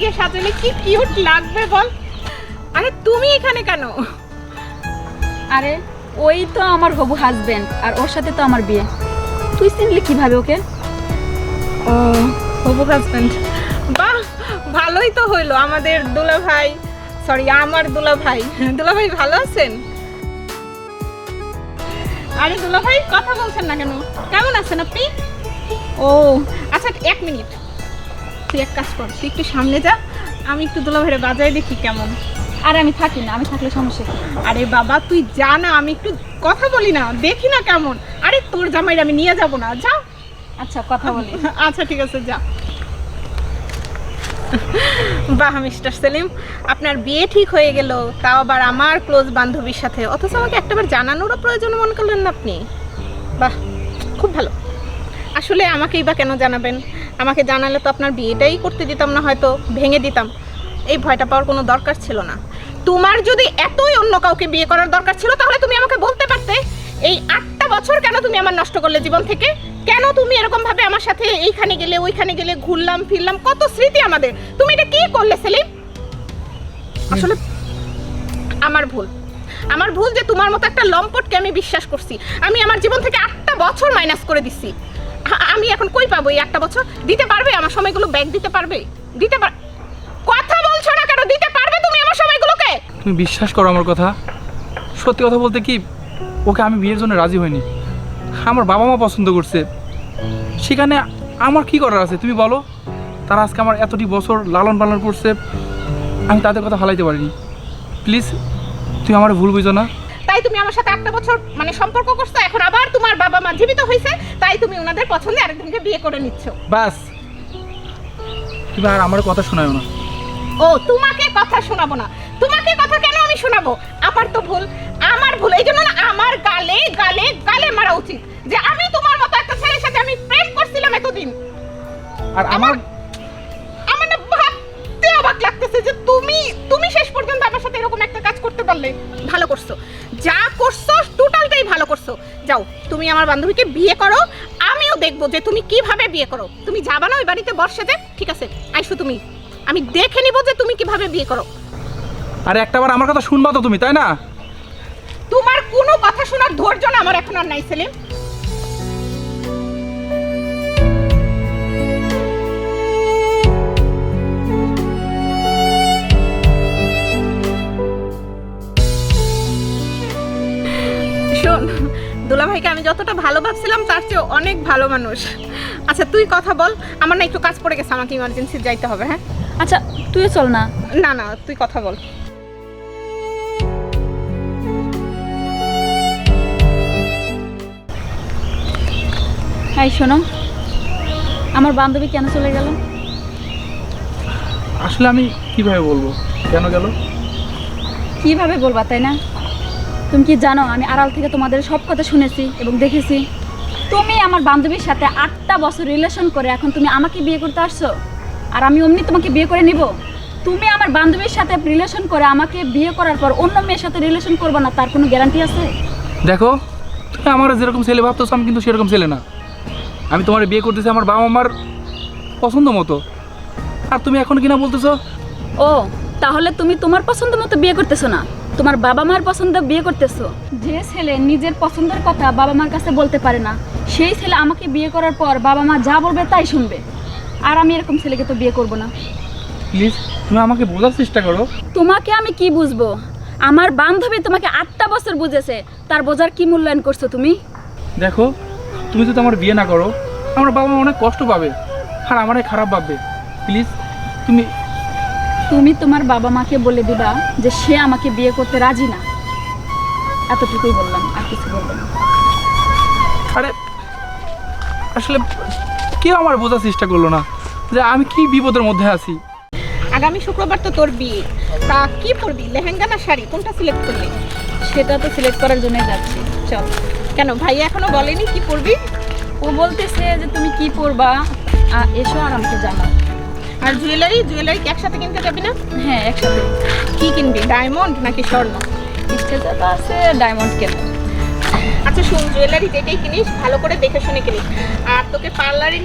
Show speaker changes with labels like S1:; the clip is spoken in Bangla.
S1: দিয়ে সাজালে কি কিউট লাগবে বল। আরে তুমি এখানে কেন?
S2: আরে ওই তো আমার হবু হাজবেন্ড, আর ওর সাথে তো আমার বিয়ে। তুই চিনলি কিভাবে ওকে?
S1: ও হবু হাজবেন্ড, বাহ ভালোই তো হইলো। আমাদের দুলাভাই, সরি আমার দুলাভাই, দুলাভাই ভালো আছেন? আরে দুলাভাই কথা বলছেন না কেন? কেমন আছেন আপনি? ও আচ্ছা এক মিনিট, তুই এক কাজ কর, তুই একটু সামনে যা, আমি একটু দুলাভাইরে বাজায় দেখি কেমন।
S2: আরে আমি থাকি না, আমি থাকলে সমস্যা কি?
S1: আরে বাবা তুই যা না, আমি একটু কথা বলি না, দেখি না কেমন। আরে তোর জামাইরে আমি নিয়ে যাব না, যা।
S2: আচ্ছা কথা বলি।
S1: আচ্ছা ঠিক আছে যা। বাহ মিস্টার সেলিম, আপনার বিয়ে ঠিক হয়ে গেল, তাও আবার আমার ক্লোজ বান্ধবীর সাথে, অথচ আমাকে একটাবার জানানোরও প্রয়োজন মনে করলেন না আপনি। বাহ খুব ভালো। আসলে আমাকেই বা কেন জানাবেন? আমাকে জানালে তো আপনার বিয়েটাই করতে দিতাম না, হয়তো ভেঙে দিতাম। এই ভয়টা পাওয়ার কোনো দরকার ছিল না। তোমার যদি এতই অন্য কাউকে বিয়ে করার দরকার ছিল তাহলে তুমি আমাকে বলতে পারতে। এই 8টা বছর কেন তুমি আমার নষ্ট করলে জীবন থেকে? কেন তুমি এরকম ভাবে আমার সাথে এইখানে গেলে ওইখানে গেলে, ঘুরলাম ফিরলাম, কত স্মৃতি আমাদের, তুমি এটা কি করলে সেলিম? আসলে আমার ভুল যে তোমার মতো একটা লম্পটকে আমি বিশ্বাস করছি। আমি আমার জীবন থেকে 8টা বছর মাইনাস করে দিচ্ছি। আমি এখন কই পাবো এই 8টা বছর? দিতে পারবে আমার সময়গুলো ব্যাক দিতে পারবে? কথা বলছো না কেন? দিতে পারবে তুমি আমার সময়গুলোকে?
S3: তুমি বিশ্বাস করো আমার কথা, সত্যি কথা বলতে কি, ওকে আমি বিয়ের জন্য রাজি হইনি। আমার বাবা মা পছন্দ করছে, সেখানে আমার কি করার আছে তুমি বলো? তারা আজকে আমার এতটি বছর লালন পালন করছে, আমি তাদের কথা হালাইতে পারিনি। প্লিজ তুমি আমার ভুল বুঝো না।
S1: তাই তুমি আমার সাথে 8টা বছর মানে সম্পর্ক করছো, এখন আবার তোমার বাবা মা জীবিত হয়েছে, তাই তুমি ওনাদের পছন্দে আরেকজনকে বিয়ে করে নিচ্ছ।
S3: বাস, তুমি আর আমার কথা শোনাও না।
S1: ও তোমাকে কথা শোনাবো না? তোমাকে কথা কেন আমি শোনাবো? আমার তো ভুল, আমার ভুল। এই জন্য না আমার গালে গালে গালে মারা উচিত যে আমি তোমার মতো একটা ছেলের সাথে আমি প্রেম করছিলাম এতদিন।
S3: আর আমার
S1: আমার না ভাবতে অবাক লাগতেছে যে তুমি শেষ পর্যন্ত আমার সাথে এরকম একটা কাজ করতে পারলে। ভালো করছো, যা করছো টোটালটাই ভালো করছো। যাও তুমি আমার বান্ধবীকে বিয়ে করো, আমিও দেখবো যে তুমি কিভাবে বিয়ে করো। তুমি যাবা না ওই বাড়িতে বর্ষাতে? ঠিক আছে আইসো তুমি, আমি দেখে নিব যে তুমি কিভাবে বিয়ে করো।
S3: আরে একটাবার আমার কথা শুনবা তো তুমি, তাই না?
S1: তোমার কোনো কথা শোনার ধৈর্য না আমার এখন আর নাই সেলিম। শোন, দুলাভাইকে আমি যতটা ভালো ভাবছিলাম তার চেয়ে অনেক ভালো মানুষ। আচ্ছা তুই কথা বল, আমার না একটু কাজ পড়ে গেছে, আমাকে ইমার্জেন্সি যাইতে হবে। হ্যাঁ
S2: আচ্ছা তুইও চল না।
S1: না না তুই কথা বল।
S2: হ্যাঁ শোনো, আমার বান্ধবী কেন চলে গেল?
S3: আসলে আমি কিভাবে বলবো কেন গেল?
S2: কিভাবে বলবা তাই না? তুমি কি জানো আমি আড়াল থেকে তোমাদের সব কথা শুনেছি এবং দেখেছি। তুমি আমার বান্ধবীর সাথে 8টা বছর রিলেশন করে এখন তুমি আমাকে বিয়ে করতে আসছো, আর আমি অমনি তোমাকে বিয়ে করে নিব? তুমি আমার বান্ধবীর সাথে রিলেশন করে আমাকে বিয়ে করার পর অন্য মেয়ের সাথে রিলেশন করবে না, তার কোনো গ্যারান্টি আছে?
S3: দেখো, তুমি আমার যেরকম ছেলে ভাবতেছো আমি কিন্তু সেরকম ছেলে না। আমি তোমার বিয়ে করতেছি আমার বাবা মার পছন্দ মতো, আর তুমি এখন কিনা বলতেছো?
S2: ও তাহলে তুমি তোমার পছন্দ মতো বিয়ে করতেছো না, তোমার বাবা মার পছন্দ বিয়ে করতেছো। যে ছেলে নিজের পছন্দের কথা বাবা মার কাছে বলতে পারে না, সেই ছেলে আমাকে বিয়ে করার পর বাবা মা যা বলবে তাই শুনবে। আর আমি এরকম ছেলেকে তো বিয়ে করব না।
S3: প্লিজ তুমি আমাকে বোঝার চেষ্টা করো।
S2: তোমাকে আমি কি বুঝবো? আমার বান্ধবী তোমাকে 8টা বছর বুঝেছে, তার বোঝার কি মূল্যায়ন করছো তুমি?
S3: দেখো, তুমি যদি আমার বিয়ে না করো আমার বাবা মা অনেক কষ্ট পাবে, আর আমারই খারাপ ভাববে। প্লিজ তুমি
S2: তুমি তোমার বাবা মাকে বলে দিবা যে সে আমাকে বিয়ে করতে রাজি না, এতটুকুই বললাম, আর কিছু বলবো না।
S3: আরে আসলে কেউ আমার বোঝার চেষ্টা করলো না যে আমি কি বিপদের মধ্যে আছি।
S1: আগামী শুক্রবার তো তোর বিয়ে, তা কি পরবি, লেহেঙ্গা না শাড়ি, কোনটা সিলেক্ট করলি?
S2: সেটা তো সিলেক্ট করার জন্যই যাচ্ছি। চল।
S1: কেন ভাইয়া এখনো বলেনি কি পরবি?
S2: ও বলতেছে যে তুমি কি পরবা, এসো আর আমাকে জানাও।
S1: আর জুয়েলারি কি একসাথে কিনতে যাবি না?
S2: হ্যাঁ একসাথে।
S1: কি কিনবি, ডায়মন্ড নাকি স্বর্ণ?
S2: স্টেজে তো আছে ডায়মন্ড কেন।
S1: আচ্ছা শোন, জুয়েলারি যেটাই কিনিস ভালো করে দেখে শুনে কিনিস, আর তোকে পার্লারে